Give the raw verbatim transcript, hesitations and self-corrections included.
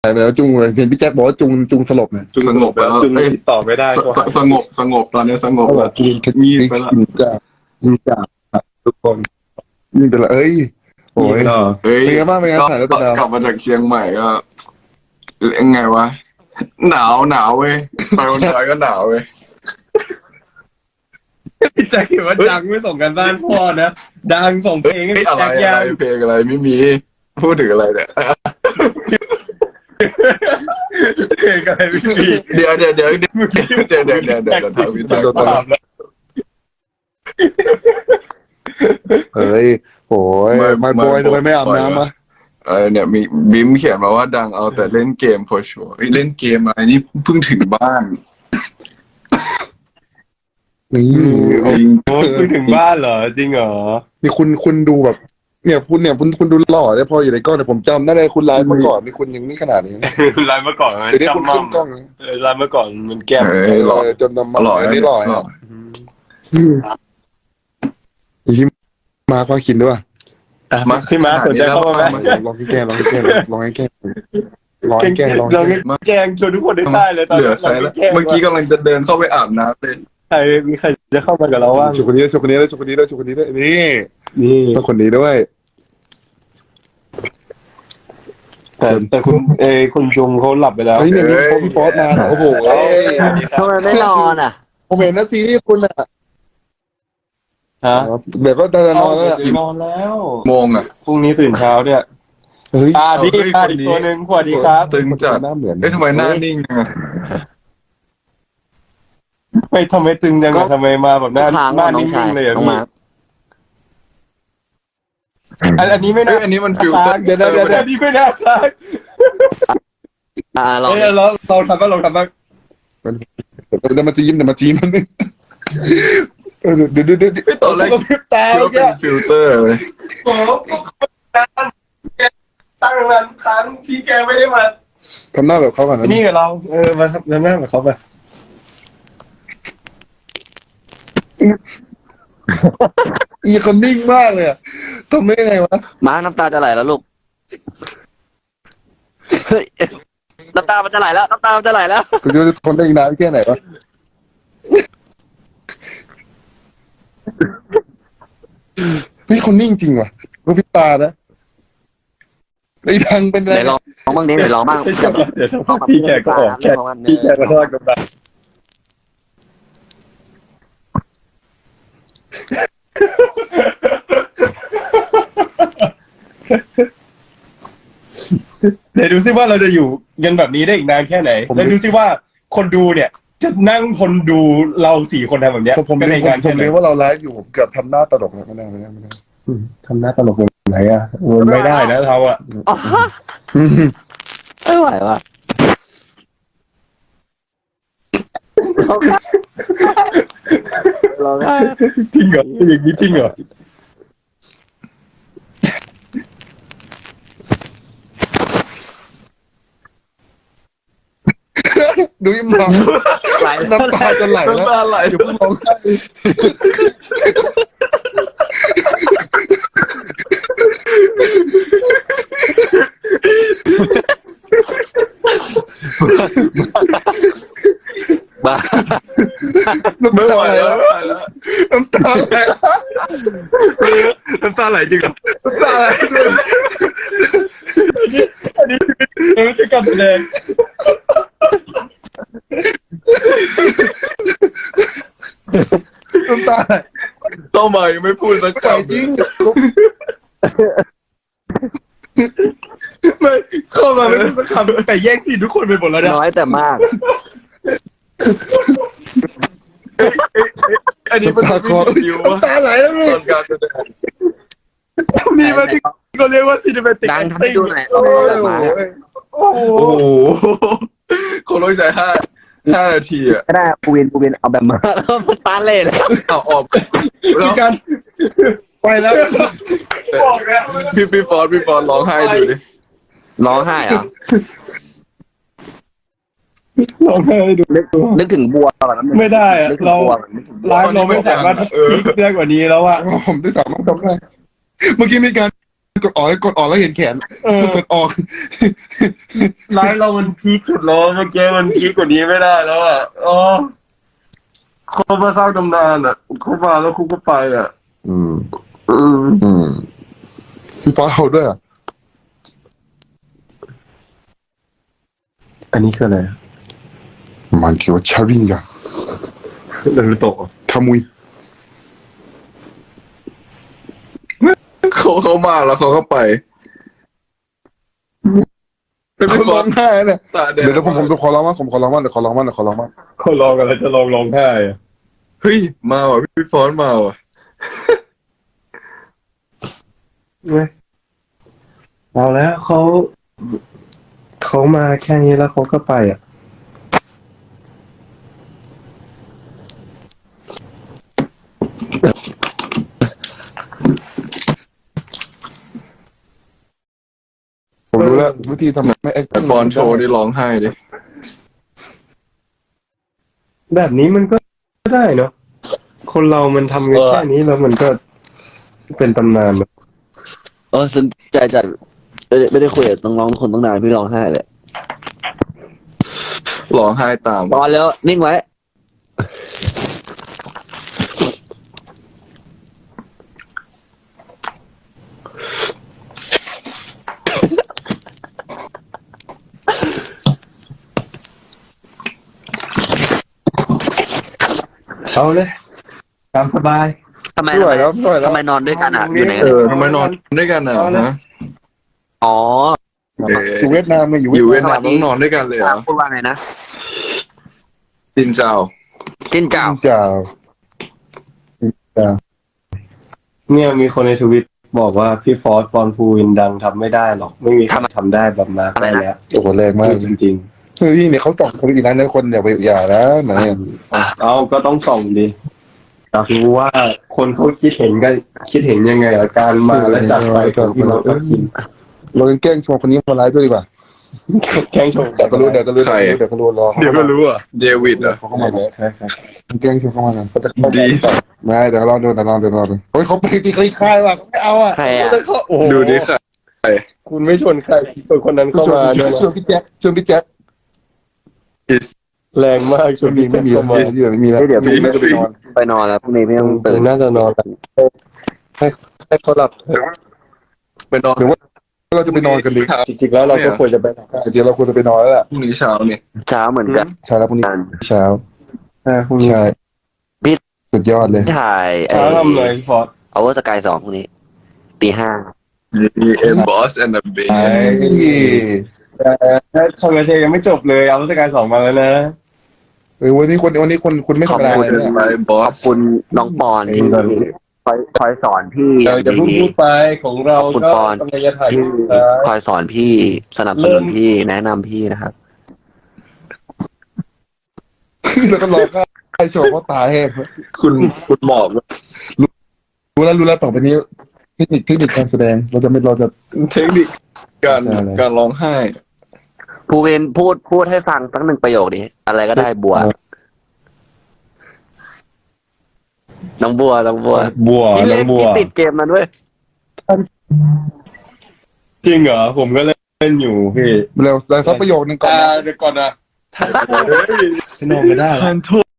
ไปแล้วจุงเลยเห็นพี่แจ็คบอกว่าจุงจุงสลบเนี่ยสงบไปแล้วจุงเอ้ยติดต่อไม่ได้สสสงบสงบตอนนี้สงบเขาบอแล้กวจุงงีบไปแล้วยิงจ้ายิงจ้าทุกคนยิงไปแล้วเอ้ยโอ้ยเฮ้ยเป็นไงบ้างเป็นไงก็ถ่ายแล้วเป็นไงกลับมาจากเชียงใหม่ก็ยังไงวะหนาวหนาวเว้ยไปวันดอยก็หนาวเว้ยพี่แจ็คเห็นว่าดังไม่ส่งกันบ้านพ่อนะดังส่งเพลงให้เฮ้ยพี่อะไรแจ็คอะไรยังเพลงอะไรไม่มีพูดถึงอะไรเนี่ยเพลงอะไรไม่มีเดี๋ยวเดี๋ยวเดี๋ยวเดี๋ยวเดี๋ยวเดี๋ยวเดี๋ยวเดี๋ยวเดี๋ยวทำวิจัยก่อนเฮ้ยโอ้ยไม่บอยทำไมไม่อาบน้ำอ่ะเออเนี่ยมีบิมเขียนมาว่าดังเอาแต่เล่นเกม for sure เฮ้ยเล่นเกมอะไรนี่เพิ่งถึงบ้านนี่จริงโอ้ยถึงบ้านเหรอจริงเหรอนี่คุณคุณดูแบบ เนี่ยคุณเนี่ยคุณคุณดูหล่อได้พออยู่ในกล้องแต่ผมจำได้เลยคุณไลฟ์เมื่อก่อนนี่คุณยังนี่ขนาดนี้ไลน์เมื่อก่อนมันเดี๋ยวนี้คุณจำมั่ขึ้นกล้องเออไลน์เมื่อก่อนมันแก้มเอเออหล่ออจนนำมาหล่อไม่หล่ออ่ะพี่มาควาคินด้วยอ่ะพี่มาสนใจเข้ามาไหมลองแกล้งลองแกล้งลองแกล้งลองแกล้งลองเราแกล้งแกงชวนทุกคนได้ใต้เลยตอนเหลือใครแล้วเมื่อกี้กำลังจะเดินเข้าไปอาบน้ำเลยใครมีใครจะเข้ามากับเราว่างชุดคนนี้ชุดคนนี้ด้วยชุดคนนี้ด้วยชุดคนนี้ด้วยนี่นี่ต้องคนนี้ด้วยแต่แต่คุณเออคุณจุงเขาหลับไปแล้วเฮ้ยเนี่ยมีพอพี่ป๊อตมาโอ้โหทำไมไม่นอนอ่ะผมเห็นนะซีรีส์คุณอ่ะฮะเดี๋ยวก็จะนอนแล้วนอนแล้วโมงอ่ะพรุ่งนี้ตื่นเช้าเนี่ยเฮ้ยอ่าดีเฮ้ยอ่าคนนี้อีกตัวหนึ่งสวัสดีครับตึงจัดหน้าเหมือนเอ้ยทำไมหน้านิ่งอ่ะไม่ทำไมตึงจังก็อะทำไมมาแบบหน้าค้างหน้าน้อนิ่งชายงๆเลยอ่ะน้องพี่มาร์คอันอันนี้ไม่เอ้น่ายอันนี้มันฟิลเตอร์เดี๋ยวเดี๋ยวเดี๋ยวอันนี้ไม่น่าค้างอ่าลองเอ้ยเราเราทำบ้างเราทำบ้างเดี๋ยวมันจะยิ้มเดี๋ยวมันจะยิ้มมันเออเดี๋ยวเดี๋ยวเดี๋ยวไม่ตอนแรกกระพริบตาคิดว่าแกเป็นฟิลเตอร์เลยโอ้โหตั้งนานครั้งที่แกไม่ได้มาทำหน้าแบบเขาก่อนนะนี่กับเรา เออมาทำหน้ากับเขาไปอีคนนิ่งมากเลยอะทำได้ไงวะมาร์คน้ำตาจะไหลแล้วลูกเฮ้ยน้ำตามันจะไหลแล้วน้ำตามันจะไหลแล้วคุณจะทนได้อีกนานแค่ไหนวะเฮ้ยคนนิ่งจริงว่ะก็พิตานะไอ้ดังเป็นไรเดี๋ยวลองลองบ้างดิเดี๋ยวลองบ้างเดี๋ยวเดี๋ยวพี่แกก็ออกแกพี่แกก็ทอดกันไปเดี๋ยวดูซิว่าเราจะอยู่กันแบบนี้ได้อีกนานแค่ไหนแล้วดูซิว่าคนดูเนี่ย จะนั่งคนดูเราสี่คนทำแบบเนี้ยผมผมก็เรีในยกงานผแค่มไหนเรียกว่าเราไลฟ์อยู่ผมเกือบทำหน้าตลกแล้วไม่ได้ไม่ได้ไม่ได้ทำหน้าตลกแบบไหนอ่ะไม่ได้นะเราอ่ะอ๋อไม่ไหวว่ะจริงเหรออย่างนี้จริงเหรอดูยิ้มมองไหลน้ำตาจะไหลแล้วน้ำตาไหลอย่าเพิ่งร้องไห้บ้าน้ำไม่ตาไหวไหลแล้แล้ว วไม่ไหวแล้วน้ำตาไหลแล้วน้ำตาไหลจริงน้ำตาไหลอันนี้ไม่ใช่การแสดงน้ำตาไหลเข้ามายังไม่พูดสักใส่คำจริงไม่เข้ามาไม่พูดสักคำแต่แย่งซีนทุกคนไปหมดแล้วเนี่ยน้อยแต่มากอันนี้มันตาเป็นคอวิววะน้ำตาไหลแล้วตนี่อนการแสดงนี่มันที่เขาเรียกว่าซีนิเมติกดังทำให้ดูหน่อยโอ้เอายแบบมาโอ้โหโอ้โหคงต้องใช้ห้าห้านาทีอ่ะไม่ได้ปูวินปูวินเอาแบบมาแล้วมันตาเล่แล้วเอาออกแล้วการไปแล้วบอกแล้วพี่พี่ฟอนพี่ฟอนร้องไห้ดูดิร้องไห้เหรอลองให้ดูนึกนึกถึงบัวแบบนั้นไม่ได้อะนึกถึงเราบัวแบบนึกถึงบัวไลฟ์เราไม่สามารถพีคได้กว่านี้แล้วอะผมได้สามารถทำได้เมื่อกี้มีการกดออกแล้วกดออกแล้วเห็นแขนเออกดออกไลฟ์เรามันพีคสุดแล้วเมื่อกี้มันพีคกว่านี้ไม่ได้แล้วอ่ะอ๋อเขามาสร้างตำนานอ่ะเขามาแล้วคุกก็ไปอ่ะอืมอืมอืมพี่ฟ้าเอาด้วยอ่ะอันนี้คืออะไรมันคือว่าชาริงยานารูโตะขมุยเขาเขามาแล้วเขาก็ไปเป็นเขาพี่ฟร้ออน งไห้เนี่ยตาแดงเดี๋ยวเดี๋ยวผมผมจะขอร้องว่าผมขอร้องว่าเดี๋ยวขอร้องว่าเดี๋ยวขอร้องว่าเขาลองอะไรจะลองร้องไห้อ่ะเฮ้ยมาว่ะพี่ฟอนมาว่ะเว้ยเอาแล้วเขาเขามาแค่นี้แล้วเขาก็ไปอ่ะผมรู้แล้ววิธีทำไม่เอ็กแต่ฟอนโชว์นี่ร้องไห้ดิแบบนี้มันก็ได้เนาะคนเรามันทำกันแค่นี้แล้วมันก็เป็นตำนานอะเออสนใจจัดไม่ได้ไม่ได้คุยกับน้องๆทุกคนตั้งนานพี่ร้องไห้เลยร้องไห้ตามตอนแล้วนิ่งไว้เอาเลยตามสบายทำไมไม่ไหวแล้วไม่ไหวแล้วทำไมนอนด้วยกันอ่ะอยู่ไหนเอกันอทำไมนอนด้วยกันอ่ะเอาเลยฮะอ๋อเอออยู่เวียดนามเลยอยู่อยู่เวีเวียยดดนามนามต้องนอนด้วยกันเลยเหรอพูดว่าไงนะจินเจ้าจิ้นเจ้าจ้าเนี่ยมีคนในทวิตบอกว่าพี่ฟอสฟอนฟูวินดังทำไม่ได้หรอก ไม่มีใครทำได้แบบมาร์คได้แล้วโอ้โหแรงมากจริงเฮ้ยเนี่ยเขาสองคนอีกนั้นนะคนอย่าไปอย่านะไหนอะๆ เอาก็ต้องส่องดิอยากรู้ว่าคนเขาคิดเห็นกันคิดเห็นยังไงกับการมาและจัดไปของพี่น้องทักษิณเราแกล้งชวนคนนี้มาไลฟ์ด้วยดีกว่าแข่งชมเดี๋ยวก็รู้เดี๋ยวก็รู้เดี๋ยวก็รู้รอเดี๋ยวก็รู้อ่ะเดวิดเหรอ่ะเขาเข้ามาแกล้งชวนเข้ามากันเขาจะเข้าดีไม่เดี๋ยวรอดูเดี๋ยวรอเดี๋ยวรอดูเฮ้ยเขาไปตีคลี่คลายว่ะไม่เอาอ่ะใครอ่ะโอ้โหดูดิค่ะคุณไม่ชวนใครชวนคนนั้นเข้าชวนมาด้วยชวนพี่แจ๊คชวนพี่แจ๊คแรงมากชวไม่นมีพี่ไม่แจ็คมีเข้ามาไม่มีแล้วเดี๋ยวไม่มีแล้วจะไปนอนไปนอนแล้วพรุ่งนี้ไม่ต้องตื่ตื่นนน่าจะนอนให้ให้เขาหลับเถอะไปนอนเราจะไปนอนกันดีจริงๆแล้วเราก็ควรจะไปนอนจริงๆเราควรจะไปนอนแล้วแหละพรุ่งนี้เช้าเนี่ยเช้าเหมือนกันเช้าแล้วพรุ่งนี้เช้าอ่าพรุ่งนี้ใช่สุดยอดเลยถ่ายไอ้เช้าทำเลยฟอร์ดเอาว่าสกายสองพรุ่งนี้ตีห้าเอ็มบอสแอนด์เบไอ้แต่ชงกระเชยยังไม่จบเลยเอาสกายสองมาแล้วนะเออวันนี้คนวันนี้คนคุณไม่ธรรมดาพูดเลยเนี่ยไปบอขอสบคุณน้องปอนที่คอยคอยสอนพี่อเราย่างจะเพิ่งดีพูดไปของเราขอบคุณก็ปอนกำลังจะถ่ายที่รูปนะคอยสอนพี่สนับสนุนพี่แนะนำพี่นะครับแล้วก็รอให้โชว์เขาตายแห้งคุณคุณหมอกรู้แล้วรู้แล้วต่อไปนี้เทคนิคเทคนิคการแสดงเราจะไม่เราจะเทคนิคการการร้องไห้ภูเวนพูดพูดให้ฟังสักหนึ่งประโยคดิอะไรก็ได้บัว น้องบัวน้องบัวบัวพี่น้เล่องนบัวพี่ติดเกมมันด้วยจริงเหรอผมก็เล่นอยู่พี่เร็วสักประโยคนึงก่อนอ่านะเดี๋ยวก่อนนะถ่ายโพสไม่นอนไม่ได้ทานโทษ